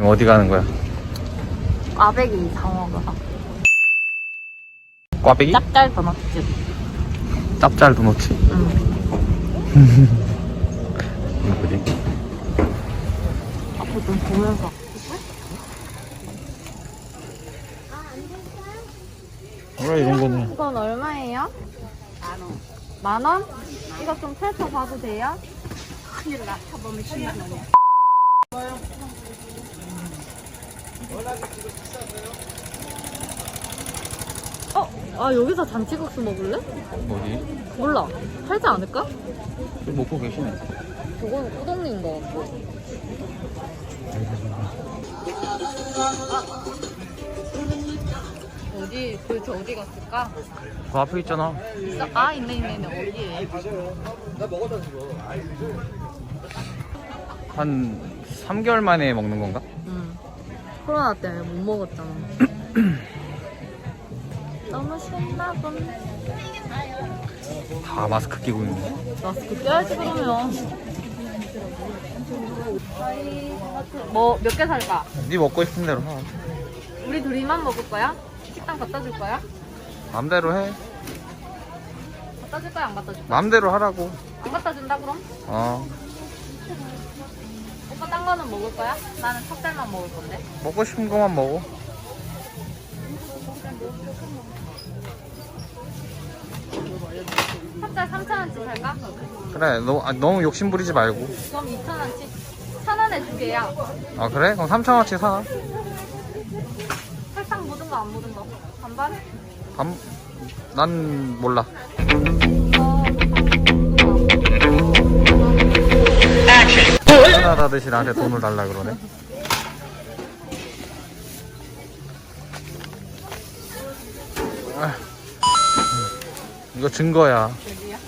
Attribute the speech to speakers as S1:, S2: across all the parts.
S1: 어디 가는 거야?
S2: 꽈배기 상어가
S1: 꽈배기?
S2: 짭짤 도넛집.
S1: 짭짤 도넛츠?
S2: 응.
S1: 이거지?
S2: 앞에 좀 보면서.
S1: 그래, 이런 거는.
S2: 이건 얼마예요? 10,000원. 10,000원? 이거 좀 펼쳐봐도 돼요? 큰일 나. 쳐보면 10만 원이야. 아 여기서 잔치국수 먹을래?
S1: 어디?
S2: 몰라. 팔지 않을까?
S1: 좀 먹고 계시네.
S2: 저건 우동인 거 같고. 어디 도대체 어디 갔을까?
S1: 그 앞에 있잖아.
S2: 있어? 아 있네 어디에?
S1: 한 3개월 만에 먹는 건가?
S2: 응. 코로나 때문에 못 먹었잖아. 너무 신나군.
S1: 다 마스크 끼고 있네.
S2: 마스크 껴야지 그러면. 뭐 몇 개 살까?
S1: 네 먹고 싶은 대로 하.
S2: 우리 둘이만 먹을 거야? 식당 갖다 줄 거야?
S1: 맘대로 해.
S2: 갖다 줄 거야 안 갖다 줄 거야?
S1: 맘대로 하라고.
S2: 안 갖다 준다 그럼?
S1: 어.
S2: 오빠 딴 거는 먹을 거야? 나는 찹쌀만 먹을 건데.
S1: 먹고 싶은 것만 먹어.
S2: 찹쌀 3,000원치 살까?
S1: 그래, 너무 욕심 부리지 말고.
S2: 그럼 2,000원치? 1,000원에 두 개야.
S1: 아, 그래? 그럼 3,000원치 사.
S2: 설탕 묻은 거 안 묻은 거? 반반?
S1: 난 몰라. 편하다듯이 나한테 돈을 달라 그러네. 이거 증거야.
S2: 여기야?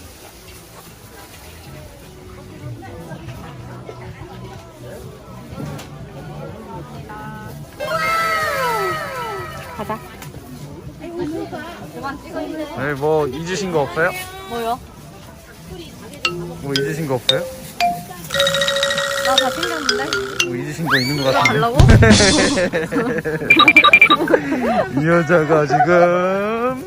S2: 가자. 그만 찍어 있네.
S1: 네, 뭐 잊으신 거 없어요?
S2: 뭐요?
S1: 뭐 잊으신 거 없어요?
S2: 나 다 챙겼는데?
S1: 뭐 잊으신 거 있는 거 같은데?
S2: 달라고?
S1: 이 여자가 지금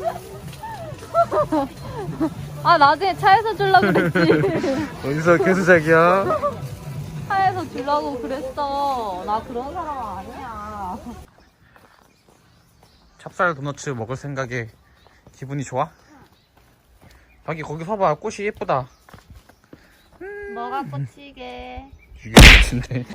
S2: 아 나중에 차에서 주려고 그랬지.
S1: 어디서 개수작이야?
S2: 차에서 주려고 그랬어. 나 그런 사람 아니야.
S1: 찹쌀 도너츠 먹을 생각에 기분이 좋아? 자기 거기 서봐. 꽃이 예쁘다.
S2: 뭐가 꽂히게.
S1: 이게 꽃인데.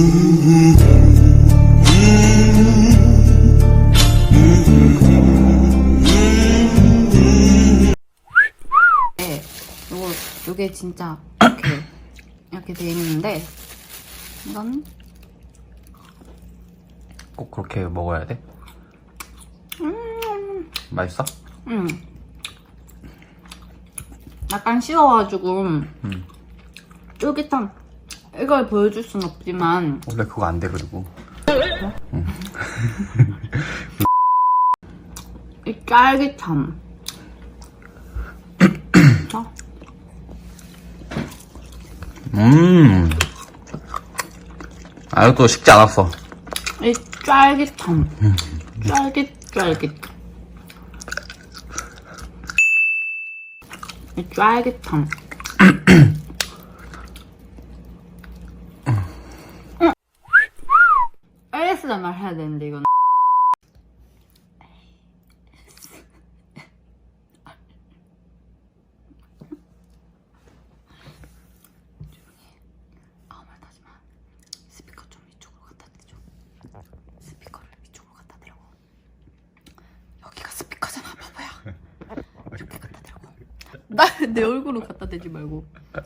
S2: 네, 요게 진짜 이렇게 돼 있는데 이건
S1: 꼭 그렇게 먹어야 돼? 맛있어?
S2: 약간 식어가지고 쫄깃한. 이걸 보여줄 순 없지만
S1: 원래 그거 안 돼. 그리고
S2: 이 쫄깃함.
S1: 아, 이것도 식지 않았어.
S2: 이 쫄깃함. 쫄깃. 이 쫄깃함. ASMR 해야 되는데 이건. 아무 말도 하지 마. 스피커 좀 이쪽으로 갖다 대줘. 스피커를 이쪽으로 갖다 대라고. 여기가 스피커잖아, 바보야. 이렇게 갖다 대라고. 나 내 얼굴로 갖다 대지 말고.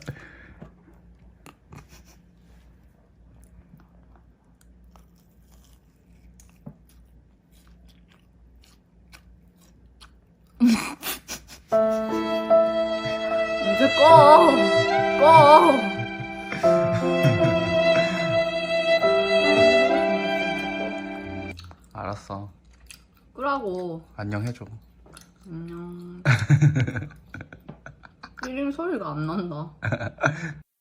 S2: 이제 꺼.
S1: 알았어.
S2: 끄라고.
S1: 안녕 해줘.
S2: 안녕. 끼링 소리가 안 난다.